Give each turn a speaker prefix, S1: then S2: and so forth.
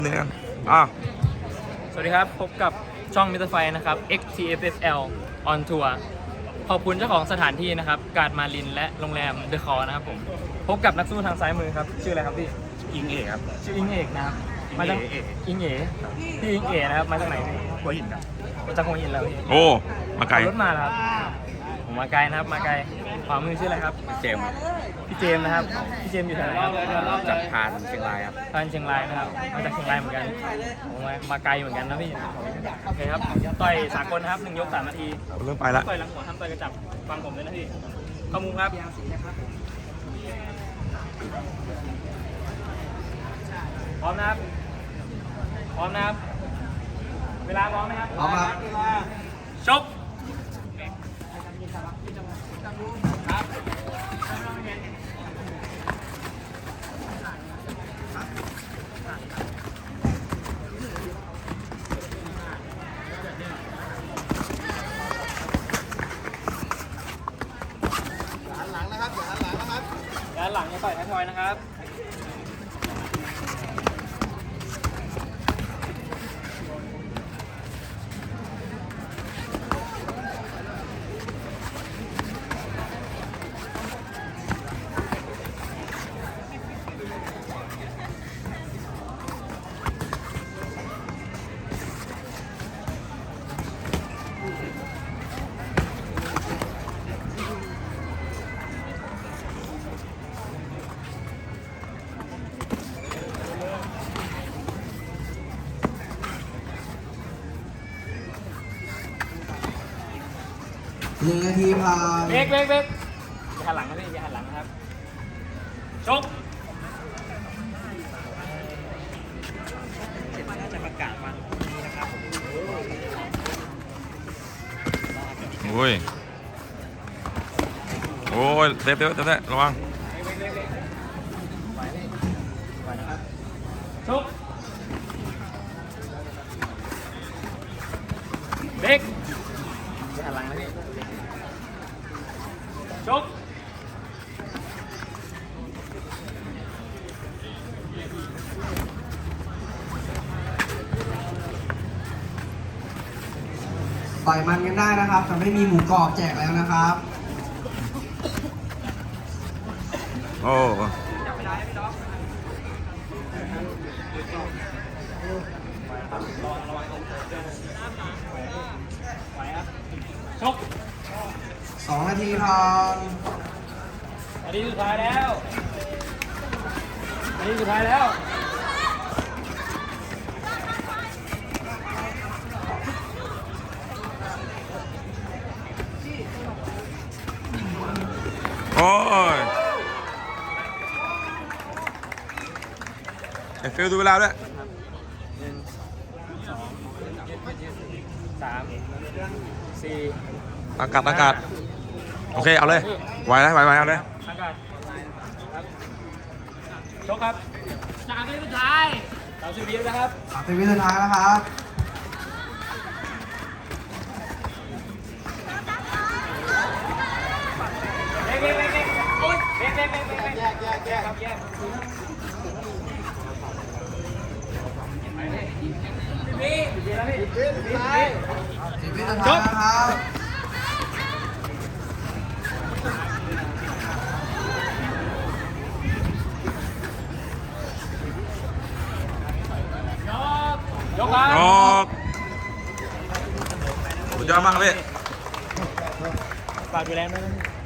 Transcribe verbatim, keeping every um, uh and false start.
S1: เนี่ยอ่ะ
S2: สวัสดีครับพบกับช่องมิสเตอร์ไฟนะครับ เอ็กซ์ ที เอฟ เอส แอล on tour ขอบคุณเจ้าของสถานที่นะครับการ์ดมารินและโรงแรมเดอะคอร์นะครับผมพบกับนักสู้ทางซ้ายมือครับชื่ออะไรครับพี่
S3: อิงเอกครับ
S2: ชื่ออิงเอกนะครับมาจาก
S3: เอก
S2: อิงเอ๋พี่อิงเอ๋นะครับมาจากไหนพี่
S3: หัวหินครับ
S2: มาจากหัวหินแล้วพี่
S1: โอ้มาไกล
S2: ขับรถมาแล้วครับผมมาไกลนะครับมาไกลขวามือชื่ออะไรครับ
S3: เจมส์ครับ
S2: พี่เจมส์นะครับพี่เจมส์อยู่แถวไหนครับ
S3: จากพานเชียงรายครับ
S2: ท่านเชียงรายนะครับมาจากเชียงรายเหมือนกันผมมามาไกลเหมือนกันนะพี่โอเคครับต่อยสากลนะครับหนึ่งยกสามนาที
S1: เริ่มไปละ
S2: ต่อยหลังหัวทำต่อยกระจับฟังผมเลยนะพี่เข้ามุมครับพร้อมนะครับพร้อมนะครับเวลาพร้อมไหมครับพร้อมครับชกด้านหลังจะต่อยท้ายทอยนะครับ
S4: หนึ่งนาทีผ่าน
S2: เบรกเบรกเบรกอย่าหันหลังนะพี่อย่าหันหลังนะครับชก
S3: จะประกาศวันนี้นะครับ
S1: โอ้ยโอ้ยเต็มเต็มเต็มเต็มระวัง
S2: ชกเบรกอย่าหันหลังนะพี่ชก
S4: ต่อยมันกันได้นะครับแต่ไม่มีหมูกรอบแจกแล้วนะครับ
S1: โอ้
S2: ชก
S4: สองนาทีผ่าน
S2: อันนี้สุดท้ายแล้วอันนี้สุดท้ายแล้ว
S1: โอ้ยไอ้ฟิลดูเวลาด้วย
S2: หนึ่งสองสามสี่
S1: อากาศอากาศโอเคเอาเลยไหวนะไหวไหวเอาเลย
S2: อากาศครับชกครับสามวิสุดท้ายสามสิบวินะครับ
S4: สามสิบวิสุดท้ายแล้วครับ
S2: เบ๊กเบ๊กเบ๊กเบ๊กโอ๊ยเบ๊กเบ๊กเบ๊กเบ๊กแยกแยกแยกครับแยกพี่พี่แล้วพี่พี่พี่
S4: สิบวิสุดท้ายแล้วครับ
S2: ยกครับ
S1: ยกสุดยอดมากครับพี่
S2: ฝากดูแลด้วยนะ